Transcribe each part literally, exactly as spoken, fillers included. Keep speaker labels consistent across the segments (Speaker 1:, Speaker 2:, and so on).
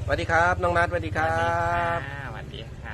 Speaker 1: วัสดีครับน้องนัทสวัสดีครับ
Speaker 2: สวัสดีค่ะ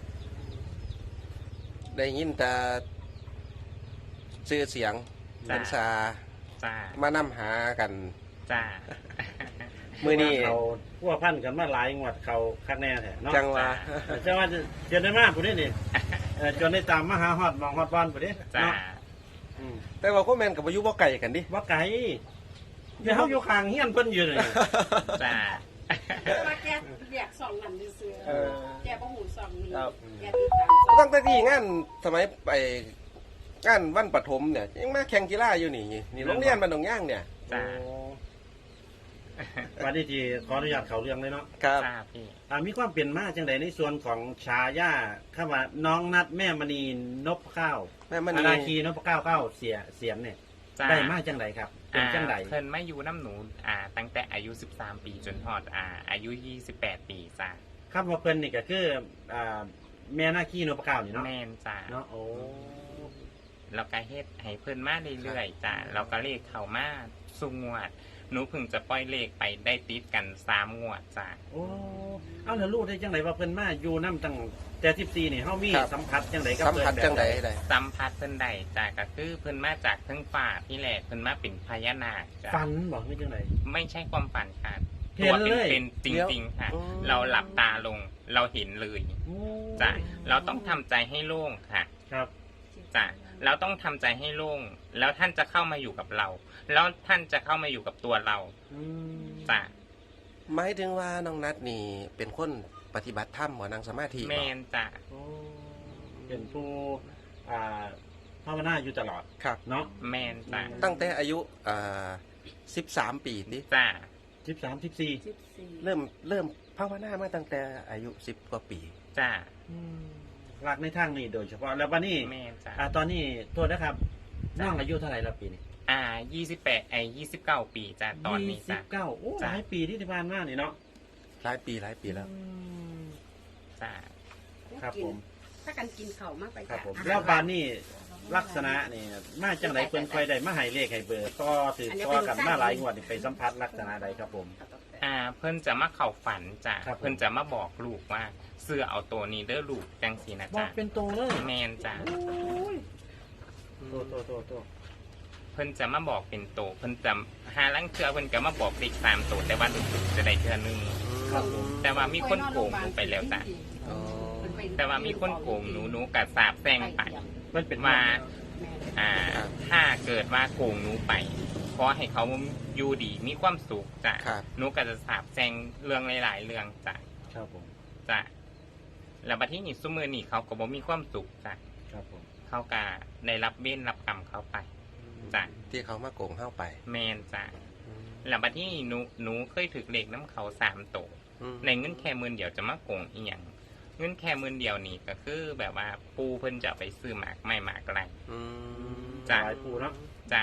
Speaker 1: ได้ยินแต่ชื่อเสียง
Speaker 2: จ้า
Speaker 1: เป็นซา
Speaker 2: จ้า
Speaker 1: มานํหากัน
Speaker 2: จ้า
Speaker 1: มือนี้
Speaker 3: เขาพัวพันกันมาหลายงวดเขาคักแน่แท้เนาะ
Speaker 1: จังหวะ
Speaker 3: จังว่าเจนได้มากผู้นี้นี่เอ่อจนได้ตามมาหาฮอดมองฮอดบ้านผู้นี้
Speaker 2: จ้า
Speaker 3: เนาะอืม
Speaker 1: แต่ว่าก็แมนกับอายุบ่ไก่กันดิ
Speaker 3: ว่าไก่เดี๋ยวเฮาอยู่ข้างเฮียนเพิ่นอยู่นี่
Speaker 2: จ้า
Speaker 4: แต่ว่าแกเรียกสองนั่นซื่อ
Speaker 1: เออ
Speaker 4: ๆแกบ่หูสองนี่
Speaker 1: ครับ
Speaker 4: แกติดตามสอง
Speaker 1: ตั้งแต่ที่งานสมัยไปงานวันปฐมเนี่ยยังมาแข่งกีฬาอยู่นี่นี่โรงเรียนบ้านหนองย่างเนี่ย
Speaker 2: จ้า
Speaker 3: โอ้วันนี้ที่ขออนุญาตเข้าเรื่องเลยเนาะ
Speaker 1: ครับ
Speaker 2: จ้าพี่
Speaker 3: อ่ามีความเปลี่ยนมาจังไดในส่วนของชายาคำว่าน้องนัดแม่มณีนพข้าว
Speaker 1: แม่มัน
Speaker 3: อา
Speaker 1: นี่
Speaker 3: ราคีนพข้าวเก้าเสียเสียนเนี่ย
Speaker 2: จ้า
Speaker 3: ได้มาจังไดครับเป็นจังได
Speaker 2: อ่าเพิ่นมาอยู่น้ำหนูอ่าตั้งแต่อายุสิบสามปีจนฮอดอ่าอายุยี่สิบแปดปีจ้า
Speaker 3: คำว่าเพิ่นนี่ก็คืออ่าแม่นาคีนพข้าวนี่เนาะ
Speaker 2: แม่นจ้า
Speaker 3: เนาะโอ้
Speaker 2: เราก็เฮ็ดให้เพิ่นมาเรื่อยๆจ้าเราก็เลขเข้ามาสุงวดหนูเพิ่งจะปล่อยเลขไปได้ติดกันสามงวดจ้า
Speaker 3: โอ้เอาแล้วรู้ได้จังไดว่าเพิ่นมาอยู่นำตั้งแต่สิบสี่นี่เฮามี
Speaker 1: ครับ
Speaker 3: สัมผัสจังไดกับ
Speaker 1: สัม
Speaker 3: เพิ่น
Speaker 1: ผัส
Speaker 3: แบบ
Speaker 1: จังใดได้
Speaker 2: สัมผัสเพิ่นได้จ้าก็คือเพิ่นมาจากเทั้งฟ้าที่แหละเพิ่นมาเป็นพญานาคจ้า
Speaker 3: ฝันบ่คือจังได
Speaker 2: ไม่ใช่ความฝันค่ะ
Speaker 3: เห็
Speaker 2: ตัวน
Speaker 3: เลย
Speaker 2: เป็นๆจริง ๆ ค่ะ
Speaker 1: อืม
Speaker 2: เราหลับตาลงเราเห็นเลย
Speaker 3: โอ้
Speaker 2: จ้ะเราต้องทำใจให้โล่งค่ะ
Speaker 3: ครับ
Speaker 2: จ้ะเราต้องทำใจให้โล่งแล้วท่านจะเข้ามาอยู่กับเรา แล้วท่านจะเข้ามาอยู่กับตัวเรา
Speaker 3: อืม
Speaker 2: จ้ะ
Speaker 1: หมายถึงว่าน้องนัทนี่เป็นคนปฏิบัติธรรมบ่นั่งสมาธิ
Speaker 2: แม
Speaker 1: บ่
Speaker 2: นจ้ะ
Speaker 3: โอ้เป็นผู้อ่าภาวนาอยู่ตลอด
Speaker 1: ครับ
Speaker 3: เนาะ
Speaker 2: แมนจ้ะ
Speaker 1: ตั้งแต่อายุอ่าสิบสามปีนี่
Speaker 2: จ้ะ
Speaker 3: สิบสาม สิบสี่
Speaker 4: สิบสี่
Speaker 1: เริ่มเริ่มภาวนามาตั้งแต่อายุสิบกว่าปี
Speaker 2: จ้ะ
Speaker 3: อืมหลักในทางนี้โดยเฉพาะแล้ววันนี้
Speaker 2: แมนจ้ะ
Speaker 3: อ่าตอนนี้โทษนะครับน้องอายุเท่าไหร่ละปีนี้
Speaker 2: อ่ายี่สิบแปดไอยี่สิบเก้าปีจ้ะตอนนี้
Speaker 3: ยี่สิ
Speaker 2: จ้ะ
Speaker 3: บเก้าโอ้ห
Speaker 2: จ้ะ
Speaker 3: ลายปีที่ผ่านมานี่เนาะ
Speaker 1: หลายปีหลายปีแล้ว
Speaker 3: อืม
Speaker 2: จ้ะ
Speaker 3: ครับผม
Speaker 4: ถ้ากันกินข้าวมากไป
Speaker 3: ครับผม
Speaker 4: จ้ะ
Speaker 3: แล้วบานนี่ลักษณะนี่มาจังไหนเพิ่นค่อยได้มาให้เลขให้เบอร์ก็ถือก็กันมาหลายงวดนี่ไปสัมผัสลักษณะใดครับผม
Speaker 2: อ่าเพิ่นจะมาเข้าฝันจ้ะ
Speaker 3: ครับผม
Speaker 2: เพิ่นจะมาบอกลูกว่าเสื้อเอาตัวนี้เด้อลูกจังสีนะ
Speaker 3: บอ
Speaker 2: จ้ะ
Speaker 3: กเป็นตัวเลย
Speaker 2: แมนจ้ะ
Speaker 3: โตโตโตโต
Speaker 2: เพิ่นจะมาบอกเป็นโตเพิ่นจะหาลังเทือเพิ่นก็มาบอกเลขสามโตแต่ว่าลูกๆจะได้เทือหนึง
Speaker 3: ครับผม
Speaker 2: แต่ว่ามีคนโกงหนูไปแล้วจ้ะ
Speaker 1: อ๋อ
Speaker 2: แต่ว่ามีคนโกงหนูหนูกัดสาบแซงไป
Speaker 3: มันเป็น
Speaker 2: ว่า
Speaker 4: แม่
Speaker 2: อ่า ถ้าเกิดว่าโกงหนูไปขอให้เขาอยู่ดีมีความสุขจ้ะ
Speaker 1: ครับ
Speaker 2: หนูก็จะสาบแซงเรื่องหลายๆเรื่องจ้ะ
Speaker 3: ครับผม
Speaker 2: จ้ะแล้วบัดที่นี่ซุมือนี่เขาก็บ่มีความสุขจ้ะ
Speaker 3: ครับผม
Speaker 2: เขาก็ได้รับเบ้นรับกรรมเขาไปจ้ะ
Speaker 1: ที่เขามาโกงเข้าไป
Speaker 2: แมนจ้ะแล้วบัดที่นี่หนูหนูเคยถึกเลขน้ำเขาสามโต
Speaker 1: อืม
Speaker 2: ในเงินแค่หมื่นเดียวจะมาโกงอีหยังเงินแค่หมื่นเดียวนี่ก็คือแบบว่าปูเพิ่นจะเอาไปซื้อหมากไม่หมากอะไร
Speaker 1: อืม
Speaker 2: จ้ะ
Speaker 3: หลายปูเนาะ
Speaker 2: จ้ะ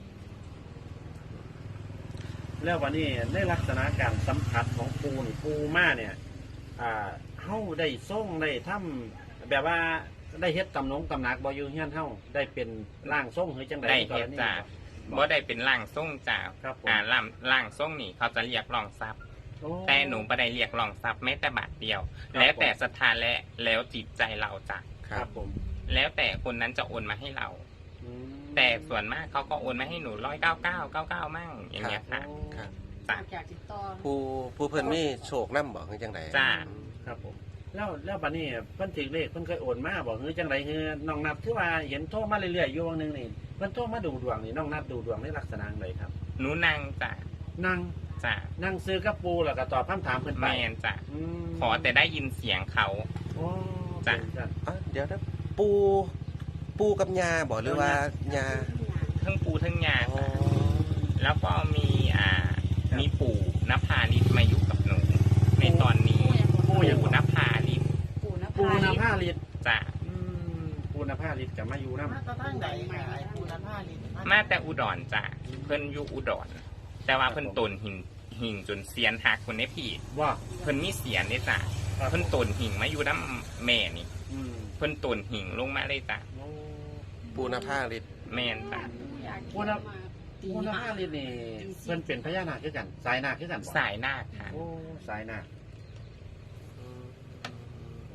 Speaker 3: แล้ววันนี้ในลักษณะการสัมผัสของปูนี่ปูมาเนี่ย อ่าเฮาได้ส่งได้ทำแบบว่าได้เฮ็ดตำหนงตำหนักบ่อยู่เฮียนเฮาได้เป็นร่างทรงหรือจังได๋
Speaker 2: ได้เฮ็ดจ้ะบ่ได้เป็นร่างทรงจ้ะ
Speaker 3: ครับผม
Speaker 2: อ่าร่างร่างทรงนี่เขาจะเรียกรองทรัพย์
Speaker 3: โอ้
Speaker 2: แต่หนูบ่ได้เรียกรองทรัพย์แม้แต่บาทเดียว
Speaker 3: ครับ
Speaker 2: แล้วแต่ศรัทธาและแล้วจิตใจเราจ้ะ
Speaker 1: ค
Speaker 3: ค
Speaker 1: รั
Speaker 3: รั
Speaker 1: บบ
Speaker 3: ผม
Speaker 2: แล้วแต่คนนั้นจะโอนมาให้เรา
Speaker 3: อืม
Speaker 2: แต่ส่วนมากเขาก็โอนมาให้หนูร้อยเก้าเก้าเก้าเก้ามั่งอย่างเงี้ยค่ะ
Speaker 3: โอ้
Speaker 1: ครับ
Speaker 2: จ้ะ
Speaker 4: จากติดต่อ
Speaker 1: ผู้ผู้เพิ่นมีโชคนํบอกคือจังได
Speaker 2: จ้ะ
Speaker 3: ครับผมแล้วแล้วบัดนี้เพิ่นถือเลขเพิ่นเคยโอนมาบอกคือจังไดคือน้องนัดคือว่าเห็นโทรมาเรื่อยๆอยู่วันหนึงนี่เพิ่นโทรมาดูดวงนี่น้องนัดดูดวงในลักษณะใดครับ
Speaker 2: หนูนั่งจ้ะ
Speaker 3: นั่ง
Speaker 2: จ้ะ
Speaker 3: นั่งซื้อกับปูแล้วก็ตอบคำถามเพิ่น
Speaker 2: แม
Speaker 3: ไป
Speaker 2: นจ้ะ
Speaker 3: ม
Speaker 2: ขอแต่ได้ยินเสียงเขา
Speaker 3: โอ้
Speaker 2: จ้ะ
Speaker 3: เป็นจัง
Speaker 1: อ่ะเดี๋ยวนะปูปูกับยาบอกหรือว่ายา
Speaker 2: ทั้งปูทั้งยา
Speaker 1: อ๋อ
Speaker 2: แล้วก็มีอ่ามีปู่นภาลิศมาอยู่กับหนู ในตอนนี้ปู่นภาลิศ
Speaker 4: ปูนะ
Speaker 3: ปูนาผ้าลิตร
Speaker 2: จ้ะ
Speaker 3: อืมปูนาผ้าลิตรกับมาอยู่นำ
Speaker 5: มาตะทั้งใดค่ะไอ้ปูนผ้าลิน
Speaker 2: มาแต่อุดรจ้ะเพิ่นอยู่อุดร แต่ว่าเพิ่นตนหิงหิงจนเสียนหักคนนี้พี่
Speaker 3: ว่า
Speaker 2: เพิ่นมีเสียนนี่จ้ะเพิ่นตนหิงมาอยู่น้ำแม่นี่
Speaker 3: อืม
Speaker 2: เพิ่นตนหิงลงมาเลยจ้ะ
Speaker 3: โอ้
Speaker 1: ปูนาผ้าฤทธิ์
Speaker 2: แม่นจ้ะ
Speaker 3: ปูนาปูนาผ้าลิตรนี่เพิ่นเป็นพญานาคคือกัน สายนาคคือกันบ่
Speaker 2: สายนาคค่ะ
Speaker 3: โอ้สายนาค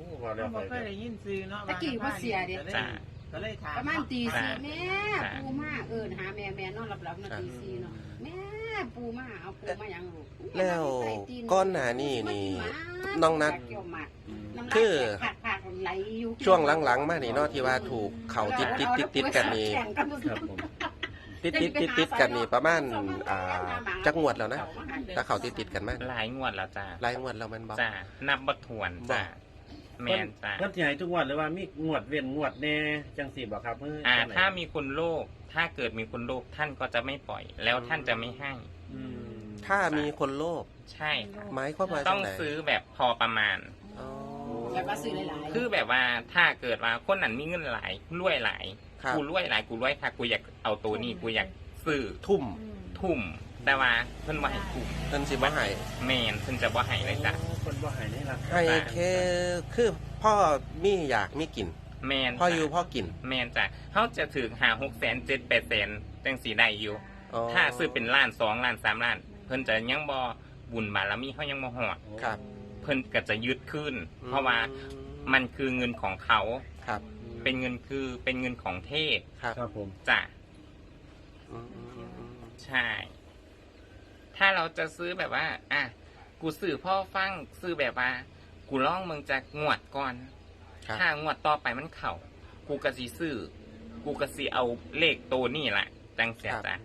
Speaker 3: ว่าแล้ว
Speaker 5: บ่
Speaker 3: ไป
Speaker 5: เคยได้ยินซื้อเนาะ
Speaker 4: ตะกี้ว่าเสียเด้
Speaker 2: จ้ะ
Speaker 5: ก็เลยถาม
Speaker 4: ประมาณตีสี่
Speaker 2: จ้ะ
Speaker 4: แม่
Speaker 2: จ้ะ
Speaker 4: ปูมาเอินหาแม่แม่นอนหลับๆนาตีสี่เนาะแม่ปูมาเอาปูมายังลูก
Speaker 1: แล้วก้อนหนานี่นี่น้องนัด
Speaker 4: คื
Speaker 1: คือ
Speaker 4: อ
Speaker 1: ช่วงหลังๆมานี่เนาะที่ว่าถูกเข่าติดติดติดติดกันนี่
Speaker 3: ครับผม
Speaker 1: ติดติดติดติดกันนี่ประมาณอ่าจักงวดแล้วนะถ้าเข่าติดติดกันมา
Speaker 2: หลายงวดแล้วจ้ะ
Speaker 1: หลายงวดแล้วมันบอก
Speaker 2: จ้ะนับบ่ถ้วนจ้ะแม่นจ้ะ
Speaker 3: เพิ่นสิให้ทุกงวดหรือว่ามีงวดเว้นงวดแน่จังซี่บ่ครับเพิ่น
Speaker 2: อ่าถ้ามีคนโลภถ้าเกิดมีคนโลภท่านก็จะไม่ปล่อย แล้วท่านจะไม่ให้
Speaker 3: อืม
Speaker 1: ถ้ามีคนโลภ
Speaker 2: ใช่ค่ะ
Speaker 1: หมายความว่า
Speaker 2: ต้
Speaker 1: จั
Speaker 2: อง
Speaker 1: งไหน
Speaker 2: ซื้อแบบพอประมาณ
Speaker 1: อ๋อ
Speaker 4: แล้วก็ซื้อหลายๆ
Speaker 2: คือแบบว่าถ้าเกิดว่าคนนั้นมีเงินหลายรวยหลาย
Speaker 1: ครับ
Speaker 2: กูรวยหลายกูรวยค่ะกูอยากเอาตัวนี้กูอยากซื้อ
Speaker 1: ทุ่ม
Speaker 2: ทุ่ม แต่ว่าเพิ่นว่าให้ทุ่ม
Speaker 1: เงินสิบ่ให้
Speaker 2: แม่นเพิ่นจะบ่ให้เลยจ้ะ
Speaker 3: โอ้เพิ่นบ่ให้ในราคา
Speaker 1: ให้แค่คือพ่อมีอยากมีกิน
Speaker 2: แม่น
Speaker 1: พ่ออยู่พ่อกิน
Speaker 2: แม่นจ้ะเขาจะถึงหาหกแสนเจ็ดแปดแสนจังสีได้อยู่
Speaker 1: อ๋อ
Speaker 2: ถ้าซื้อเป็นล้านสองล้านสามล้าน เพิ่นจะยังบ่บุญบารมีเขายังบ่หอด
Speaker 1: ครับ
Speaker 2: เพิ่นก็จะยึดขึ้น
Speaker 1: อืม
Speaker 2: เพราะว่ามันคือเงินของเขา
Speaker 1: ครับ
Speaker 2: เป็นเงินคือเป็นเงินของเทพ
Speaker 1: ครับ
Speaker 3: ครับผม
Speaker 2: จ้ะ
Speaker 1: อืมอืมอืมอืม
Speaker 2: ใช่ ถ้าเราจะซื้อแบบว่า อ่ะ กูซื้อพ่อฟังซื้อแบบว่า กูล่องมึงจะงวดก่อน
Speaker 1: ครับ
Speaker 2: ถ้างวดต่อไปมันเข่า กูกะสีซื้อ กูกะสีเอาเลขตัวนี่แหละจังเสียจ้ะ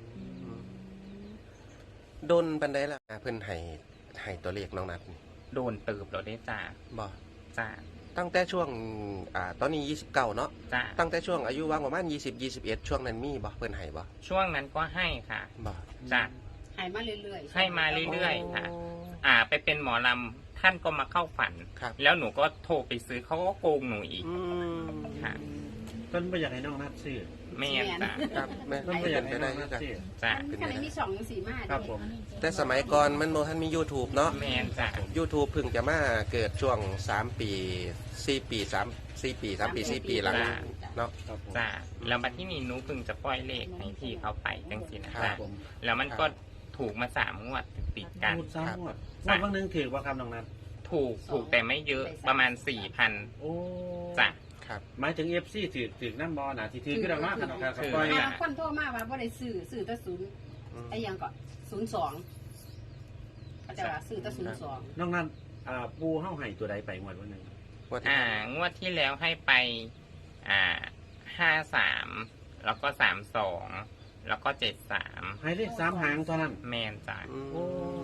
Speaker 1: โดนปันได้ละเพิ่นให้ให้ตัวเลขน้องนัดนี่
Speaker 2: โดนเติบเราได้จ้า
Speaker 1: บ่
Speaker 2: จ้า
Speaker 1: ตั้งแต่ช่วงอ่าตอนนี้ยี่สิบเก้าเนาะ
Speaker 2: จ้า
Speaker 1: ตั้งแต่ช่วงอายุว่างประมาณยี่สิบ ยี่สิบเอ็ดช่วงนั้นมีบ่เพิ่นให้บ่
Speaker 2: ช่วงนั้นก็ให้ค่ะ
Speaker 1: บ่
Speaker 2: จ้า
Speaker 4: ให้มาเรื่อยๆ
Speaker 2: ให้มาเรื่อยๆค่ะ อ่า ไปเป็นหมอลำท่านก็มาเข้าฝัน
Speaker 1: ครับ
Speaker 2: แล้วหนูก็โทรไปซื้อเขาก็โกงหนูอีก
Speaker 1: อืม
Speaker 2: ค่ะ
Speaker 3: เพิ่นบ่อยากให้น้องนัดซื้อ
Speaker 2: แม่นจ้า
Speaker 1: ครับแม่
Speaker 3: เพิ่นบ่อยากให้
Speaker 1: เป็น
Speaker 3: น้
Speaker 1: ได้
Speaker 3: องนัด
Speaker 1: กัน
Speaker 3: ซื้อ
Speaker 2: จ้า
Speaker 4: ขณะมีสองสีมา
Speaker 3: ครับผม
Speaker 1: แต่สมัยก่อนมันบ่ทันมี YouTube เนาะ
Speaker 2: แม่นจ้า
Speaker 1: YouTube เพิ่งจะมาเกิดช่วงสามปีสี่ปีสามสี่ปีสามปีสี่ปีหลังเนาะ
Speaker 3: ครับผม
Speaker 2: จ้าแล้วมาที่นี่หนูเพิ่งจะปล่อยเลขให้พี่เขาไปจังสินะ
Speaker 1: ครั
Speaker 2: จ้า
Speaker 1: บผม
Speaker 2: แล้วมันก็ถูกมาสามงวดติดกัน
Speaker 3: พูดซ้ำงวดงวดบางนึงถือว่าครับน้องนัด
Speaker 2: ถูกถูกแต่ไม่เยอะประมาณสี่พัน
Speaker 3: โอ้
Speaker 2: จ้ะ
Speaker 1: ครับ
Speaker 3: หมายถึง เอฟ ซี ถือถือน้ำบอลน่ะที่ถือคือดอกมากครับครับ
Speaker 2: ถือ
Speaker 3: ปล่อย
Speaker 4: มา
Speaker 3: น่ะ
Speaker 4: คนโทรมาว่าบ่ได้ซื้อซื้อแต่ศูนย์
Speaker 1: อืม
Speaker 4: ไอ้ยังก็ศูนย์สองเขาจะว่าซื้อแต่ศูนย์สอง
Speaker 3: น้องนัดอ่าปูเฮาให้ตัวใดไปงวดวันหนึง
Speaker 1: ว่าที่
Speaker 2: อ่างวดที่แล้วให้ไป อ่าห้าสามแล้วก็สามสองแล้วก็เจ็ดสาม
Speaker 3: ให้เลขสามหางเท่านั้น
Speaker 2: แมนจ้ะ
Speaker 1: อืม
Speaker 3: โอ้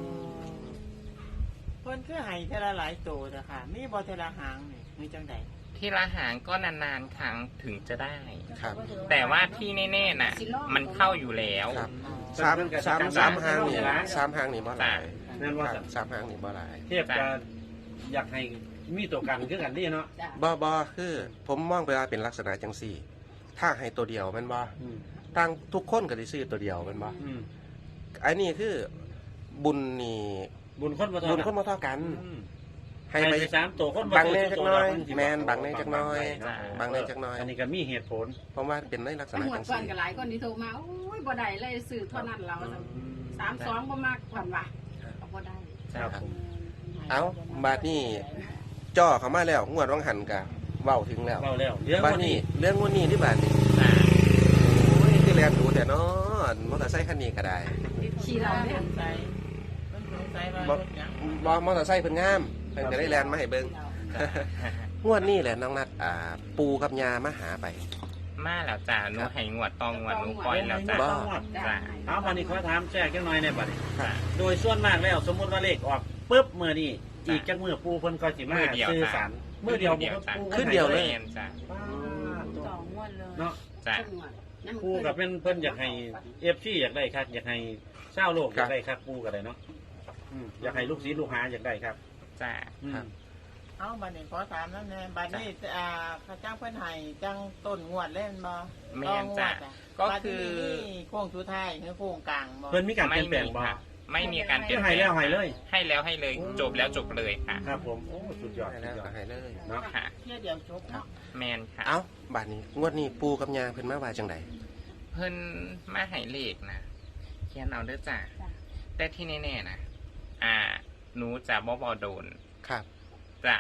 Speaker 5: เพิ่นคือให้เทอละหลายโตเด้อค่ะ มีบ่เทอละหางนี่มีจังได๋
Speaker 2: ที่ละหางก็นานๆครั้งถึงจะได้
Speaker 1: ครับ
Speaker 2: แต่ว่าที่แน่ๆน่ะ มันเข้าอยู่แล้ว
Speaker 1: ครับสามสามสามหางนี่สามหางนี่บ่หลาย
Speaker 3: นั่นว่า
Speaker 1: ครับสามหางนี่บ่หลาย
Speaker 3: เทียบกับอยากให้มีตัวกันคือกันนี่เนาะ
Speaker 4: จ้ะ
Speaker 1: บ่บ่คือผมมองไปว่าเป็นลักษณะจังซี่ ถ้าให้ตัวเดียวแมันบ่
Speaker 3: อืม
Speaker 1: ตั้งทุกคนก็ได้ซื้อตัวเดียวแมันบ่
Speaker 3: อืม
Speaker 1: อันนี้คือบุญนี่
Speaker 3: บุญคนบ่เท่า
Speaker 1: บุญคนบ่เท่ากัน
Speaker 3: อืม
Speaker 1: ให้
Speaker 3: ให้
Speaker 1: ไป
Speaker 3: ไปสามตัวคนบ่
Speaker 1: บังแน่
Speaker 3: เท่า
Speaker 1: จักหน่อย
Speaker 3: ตัวละ
Speaker 1: แม่นบังแน่จักหน่อย
Speaker 3: เนาะ
Speaker 1: บังแน่จักหน่อย
Speaker 3: อันนี้ก็มีเหตุผล
Speaker 1: เพราะว่าเป็นในลักษ
Speaker 4: ตำ
Speaker 1: ณะ
Speaker 4: รวจ
Speaker 1: จัง
Speaker 4: ก่อน
Speaker 1: ซี่
Speaker 4: ก็หลายคนที่โทรมาโอ้ยบ่ได้เลยซื้อเท่านั้นเราสามสองบ่มากผ่อนว่ะก็บ่ได้
Speaker 3: ครับผม
Speaker 1: เอ้าบาดนี้จ่อเข้ามาแล้วงวดวังหันกะเว้าถึงแล้ว
Speaker 3: เล่าแล้วเรื่อง
Speaker 1: บาด
Speaker 3: วัน
Speaker 1: นี้
Speaker 3: นี้
Speaker 1: เรื่องงวดนี้ที่บาดนี้
Speaker 2: จ้ะ
Speaker 1: โอ้ยคือแลนดูแต่เนาะมอเตอร์ไซค์คันนี้ก็ได้
Speaker 4: ขี่เราเนี่ย
Speaker 5: สงสัยเพิ่นสงสัยว่ารถหยัง
Speaker 1: บ่มอเตอร์ไซค์เพิ่นงามเพิ่นก็ได้แลนมาให้เบิ่ง
Speaker 2: จ้ะ
Speaker 1: งวดนี้แหละน้องนัดอ่า ปูกับยามาหาไป
Speaker 2: มาแล้วจ้ะหนูให้งวดตองงวดหนูปล่อยแล้วจ้ะ
Speaker 1: บ่
Speaker 2: จ้ะ
Speaker 3: เอาวันนี้ขอถามแจ้งจังหน่อยในบัดนี้
Speaker 2: จ้ะ
Speaker 3: โดยส่วนมากแล้วสมมุติว่าเลขออกปุ๊บมื้อนี้อีกจักมื้อปูเพิ่นก็สิมา
Speaker 2: มื้อเดียว
Speaker 3: ซื้อ
Speaker 2: จ้ะ
Speaker 3: สารมื้อเดียว
Speaker 2: มื้อเดียวจ้ะ
Speaker 3: ปู
Speaker 1: ขึ้นเดียวเลย
Speaker 2: แม่นจ้ะ
Speaker 3: ป้าดตัว
Speaker 5: สองงวดเลย
Speaker 3: เนาะ
Speaker 2: จ้ะ
Speaker 3: ปูกับเป็นเพิ่นอยากให้ เอฟ ซี อยากได้ครับอยากให้ชาวโลกอยากได้ครับปูก็ได้เนาะอืมอยากให้ลูกศิษย์ลูกหาอยากได้ครับ
Speaker 2: จ้ะ
Speaker 3: อืม
Speaker 1: ครับ
Speaker 5: เอาบัดนี้ขอถามนั่นแน่บัดนี้อ่าเขาจ้างเพิ่นให้จังต้นงวดเล่นบ่
Speaker 2: แม่นจ้ะ
Speaker 5: ต่องวดอะ
Speaker 2: ก็
Speaker 5: บัด
Speaker 2: คือ
Speaker 5: นี้มีโค้งสุดท้ายคือโค้งกลางบ่
Speaker 3: เพิ่นมีการเป
Speaker 2: ไม่
Speaker 3: ลี่ยนแปล
Speaker 2: มี
Speaker 3: งบ่
Speaker 2: ค่ะไม่มีการเปลี่ยน
Speaker 3: ให้
Speaker 2: แปลง
Speaker 3: แล้วให้เลย
Speaker 2: ให้แล้วให้เลย
Speaker 3: โอ้
Speaker 2: จบแล้วจบเลยค่ะ
Speaker 3: ครับผมโอ้สุดยอด
Speaker 1: ให้
Speaker 3: สุ
Speaker 1: แล้
Speaker 3: ด
Speaker 1: วย
Speaker 3: อ
Speaker 1: ก็
Speaker 3: ด
Speaker 1: ให้เลย
Speaker 3: เนาะ
Speaker 2: ค่ะ
Speaker 5: เที่ยเดียวจบเนาะ
Speaker 2: แมนค่ะ
Speaker 1: เอ้าบาดนี้งวดนี้ปูกับยาเพิ่นมาว่าจังได
Speaker 2: เพิ่นมาให้เลขนะเขียนเอาเด้อจ้ะแต่ที่แน่ๆนะอ่า หนูจะบ่บ่โดน
Speaker 1: ครับ
Speaker 2: จะ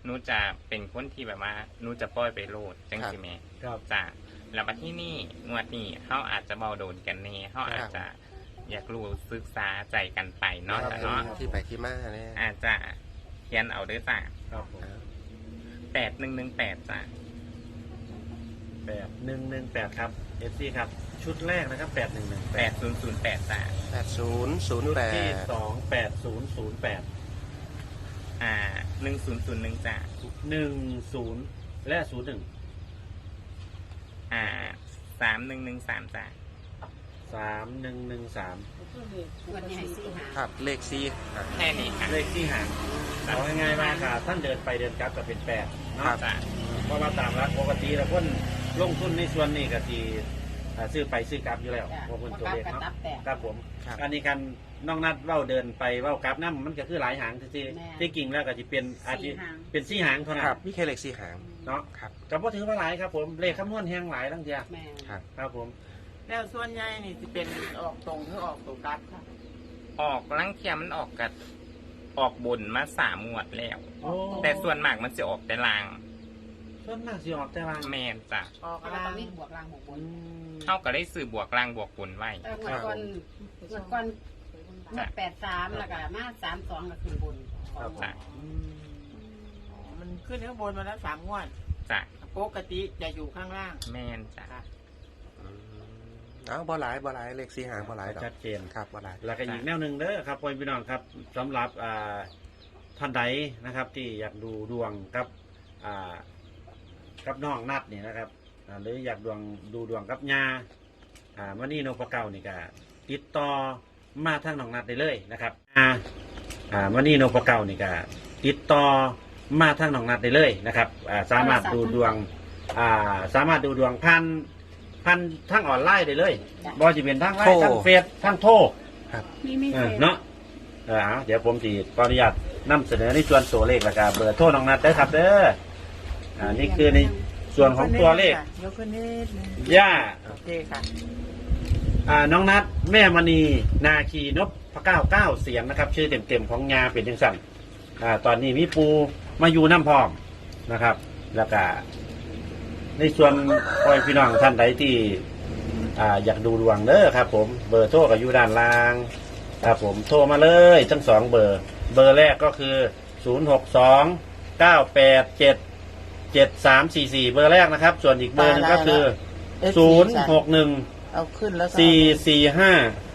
Speaker 2: หนูจะเป็นคนที่แบบว่าหนูจะปล่อยไปโลดจังสิแม่
Speaker 3: ครับ
Speaker 2: จ้ะแล้วมาที่นี่งวดนี้เขาอาจจะเบาโดนกันเน่เขาอาจจะอยากรู้ศึกษาใจกันไปเนาะ
Speaker 1: ครับ
Speaker 2: จ้ะเนาะ
Speaker 1: ที่ไปที่มาเนี่ย
Speaker 2: อาจจะเขียนเอาเด้วยจ้ะ
Speaker 3: ครับผม
Speaker 2: แปดหนึ่งหนึ่งแปดจ้ะ
Speaker 3: แปดหนึ่งหนึ่งแปดครับเอฟซีครับชุดแรกนะครับแปดหนึ่งหนึ่ง
Speaker 2: แป
Speaker 3: แป
Speaker 2: ด
Speaker 3: ด
Speaker 2: ศูนย์ศูนย์แปดจ้ะ
Speaker 1: แปดศูนย์ศูนย์
Speaker 3: ชุด
Speaker 1: แป
Speaker 3: ที่
Speaker 1: ด
Speaker 3: สองแปดศูนย์ศูนย์แปด
Speaker 2: อ่าหนึ่งศูนย์ศูนย์หนึ่งจ้ะ
Speaker 3: หนึ่งศูนย์และศูนย์หนึ่ง
Speaker 2: อ่าสามหนึ่งหนึ่งสามจ้ะ
Speaker 3: สามหนึ่งหนึ่งสาม
Speaker 4: วันนี้ให้สี่หา
Speaker 1: ครับเลขซีอ่ะ
Speaker 2: แค่นี้ค่ะ
Speaker 3: เลขที่ห่างเอาง่ายๆว่าค่ะท่านเดินไปเดินกลับก็เป็นแปดเนาะ
Speaker 2: จ้ะ
Speaker 3: เพราะว่าตามรักปกติแล้วคนลงทุนในส่วนนี้ก็ทีอ่าซื้อไปซื้อกลับอยู่แล้ว
Speaker 4: จ้ะ
Speaker 3: พวกคนตัว
Speaker 4: กลับ
Speaker 3: เลข
Speaker 4: กับ
Speaker 3: เนาะ
Speaker 4: ตับแตก
Speaker 3: ครับผม
Speaker 1: ครับ
Speaker 3: อันนี้กันน้องนัดเว้าเดินไปเว้ากลับน้ำมันก็คือหลายหางที่
Speaker 4: แม่
Speaker 3: ที่กิ่งแล้วก็จะเป็นอาจจะ
Speaker 4: สี่หาง
Speaker 3: เป็นสี่หางเท่านั้
Speaker 1: ครั
Speaker 3: น
Speaker 1: บมีแค่เลขซีหาง
Speaker 3: เนาะ
Speaker 1: ครับ
Speaker 3: ก็บ่ถือว่าหลายครับผมเลขคำนวณแห้งหลายทั้งเดีย
Speaker 4: แม่
Speaker 1: ครับ
Speaker 3: ครับผม
Speaker 5: แล้วส่วนใหญ่นี่จะเป็นออกตรงหรือออกตัวกลับค่ะ
Speaker 2: ออกลังเทียมันออกกับออกบนมาสามงวดแล้ว
Speaker 3: โอ้
Speaker 2: แต่ส่วนมากมันจะออกแต่ลาง
Speaker 3: ส่วนมากสิออกแต่ลาง
Speaker 2: แมนจ้ะ
Speaker 5: ออก
Speaker 4: เพราะว่า
Speaker 5: ล่า
Speaker 4: ต้อง งมีบวกล่างบวกบ
Speaker 3: อื
Speaker 4: น
Speaker 3: ม
Speaker 2: เท่ากับได้สื่อบวกลางบวกบนไว้
Speaker 4: แต่งวดก่อนงวดก่อนงวดแปดสามแล้วก็มาสามสองก็ขึ้นบน
Speaker 3: ครับผม
Speaker 2: จ้ะ
Speaker 3: อืม
Speaker 5: มันขึ้นข้างบนมาแล้วสามงวด
Speaker 2: จ้ะ
Speaker 5: ปกติจะอยู่ข้างล่าง
Speaker 2: แมนจ้ะ
Speaker 1: อืมเอ้าบ่หลายบ่หลายเลขซีหางบ่หลายดอก
Speaker 3: ชัดเจน
Speaker 1: ครับบ่หลาย
Speaker 3: แล้วก็อีกแนวหนึ่งเด้อครับพ่อพี่น้องครับสำหรับอ่าท่านใดนะครับที่อยากดูดวงกับอ่ากับน้องนัดนี่นะครับอ่าหรืออยากดวงดูดวงกับยาอ่าวันนี้นพเก้านี่ก็ติดต่อมาทางน้องนัดได้เลยนะครับอ่าอ่าวันนี้นพเก้านี่ก็ติดต่อมาทางน้องนัดได้เลยนะครับอ่าสามารถดูดวงอ่าสามารถดูดวงพันพันทางออนไลน์ได้เลยบอจะเป็นทางไลน์ทางเฟซทางโทร
Speaker 4: มีมี
Speaker 3: เออเนาะเออเอาเดี๋ยวผมจะขออนุญาตนำเสนอในส่วนตัวเลขแล้วก็เบอร์โทรน้องนัดได้อครับเด้ออ่านี่คือในส่วนของตัวเลข
Speaker 5: ยกขึ้นนิดนึง
Speaker 3: ย่า
Speaker 5: โอเคค่ะ
Speaker 3: อ่าน้องนัดแม่มณีนาคีนพพระเก้าเก้าเสียงนะครับ ชื่อเต็มๆของยาเป็นยังสั่นอ่าตอนนี้มีปูมาอยู่น้ำพร้อมนะครับ แล้วก็ในส่วนพ่อพี่น้องท่านใดที่อ่าอยากดูดวงเด้อครับ ผมเบอร์โทรก็อยู่ด้านล่าง ครับผมโทรมาเลยทั้งสองเบอร์ เบอร์แรกก็คือ ศูนย์ หก สอง เก้า แปด เจ็ด เจ็ด สาม สี่ สี่ เบอร์แรกนะครับ ส่วนอีกเบอร์หนึงก็คือ ศูนย์ หก หนึ่ง
Speaker 5: เอาขึ้นแล้วก็
Speaker 3: สี่ สี่ ห้า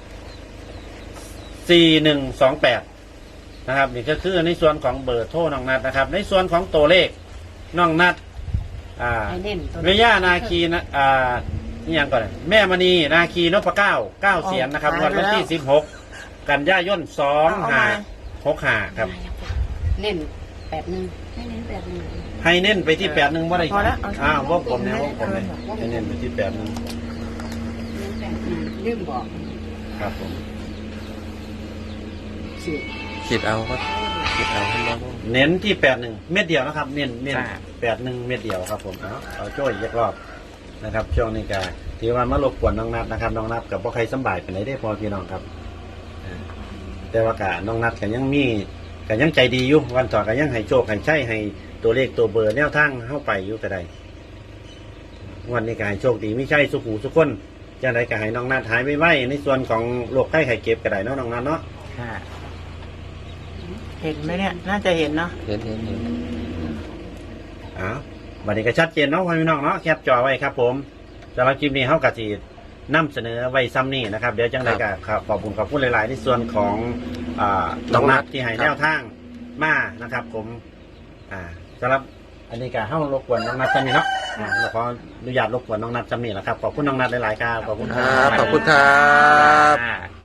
Speaker 3: สี่ หนึ่ง สอง แปดนะครับนี่ก็คือในส่วนของเบอร์โทรน้องนัดนะครับ ในส่วนของตัวเลขน้องนัดอ่า
Speaker 4: ให้เน้นตัว
Speaker 3: เมย่านาคีนะอ่านี่ยังก่อนแม่มณีนาคีนพเก้าเก้าเสียนนะครับวันวันที่สิบหกกันยายนสองห้าหกห้าครับ
Speaker 4: เน้นแปดหนึ่งให้เน้นแปดหนึ่ง
Speaker 3: ให้เน้นไปที่แปดหนึ่งว่าได้
Speaker 5: พอแล้วเ
Speaker 3: อ้าววงกลมเนี่ยวงกลมเนี่ยให้เน้นไปที่แปดหนึ่ง
Speaker 4: เน้นแปดหนึ่งลืมบอก
Speaker 3: ครับผม
Speaker 4: สิบ
Speaker 1: คิดเอาก็คิดเอาให้น้อง
Speaker 3: เน้นที่แปดหนึ่งเม็ดเดียวนะครับ เน้นเน้น
Speaker 2: จ้ะ
Speaker 3: แปดหนึ่งเม็ดเดียวครับผมเอาเอาโจ้ยอีกรอบนะครับช่วงนี้ก็ถือว่ามารบกวนน้องนัดนะครับน้องนัดกับพ่อใครสำบายเป็นไรได้พอพี่น้องครับอ่าแต่ว่ากะน้องนัดก็ยังมีก็ยังใจดีอยู่วันต่อก็ยังให้โชคให้ใช้ให้ตัวเลขตัวเบอร์แนวทางเข้าไปอยู่ก็ได้วันนี้ก็ให้โชคดีไม่ใช่สุขหูสุขคนจะได้ก็ให้น้องนัดหายไปไว้ในส่วนของโรคไข้ไข้เจ็บก็ได้เนาะน้องนัดเนาะ
Speaker 2: ค่ะ
Speaker 5: เห็นไหมเนี่ย น่าจะเห็นเนาะ
Speaker 1: เห็นเห็นเห็น
Speaker 3: อ้าววันนี้ก็ชัดเจนเนาะพี่น้องเนาะแคปจอไว้ครับผมสำหรับคลิปนี้เขากะจีนำเสนอไว้ซ้ำนี่นะครับเดี๋ยวจังไดก็ขอบคุณขอบคุณหลาย ๆ ในส่วนของอ่าน้องนัดที่ให้แนวทางมานะครับ ผมอ่าสำหรับอันนี้ก็เข้ารบกวนน้องนัดซ้ำนี่เนาะอ่าขออนุญาตรบกวนน้องนัดซ้ำนี่แหละครับขอบคุณน้องนัดหลาย ๆ ครับขอบคุณ
Speaker 1: ค
Speaker 3: ค
Speaker 1: รั
Speaker 3: รั
Speaker 1: บบ ขอบคุณครับ
Speaker 2: อ่า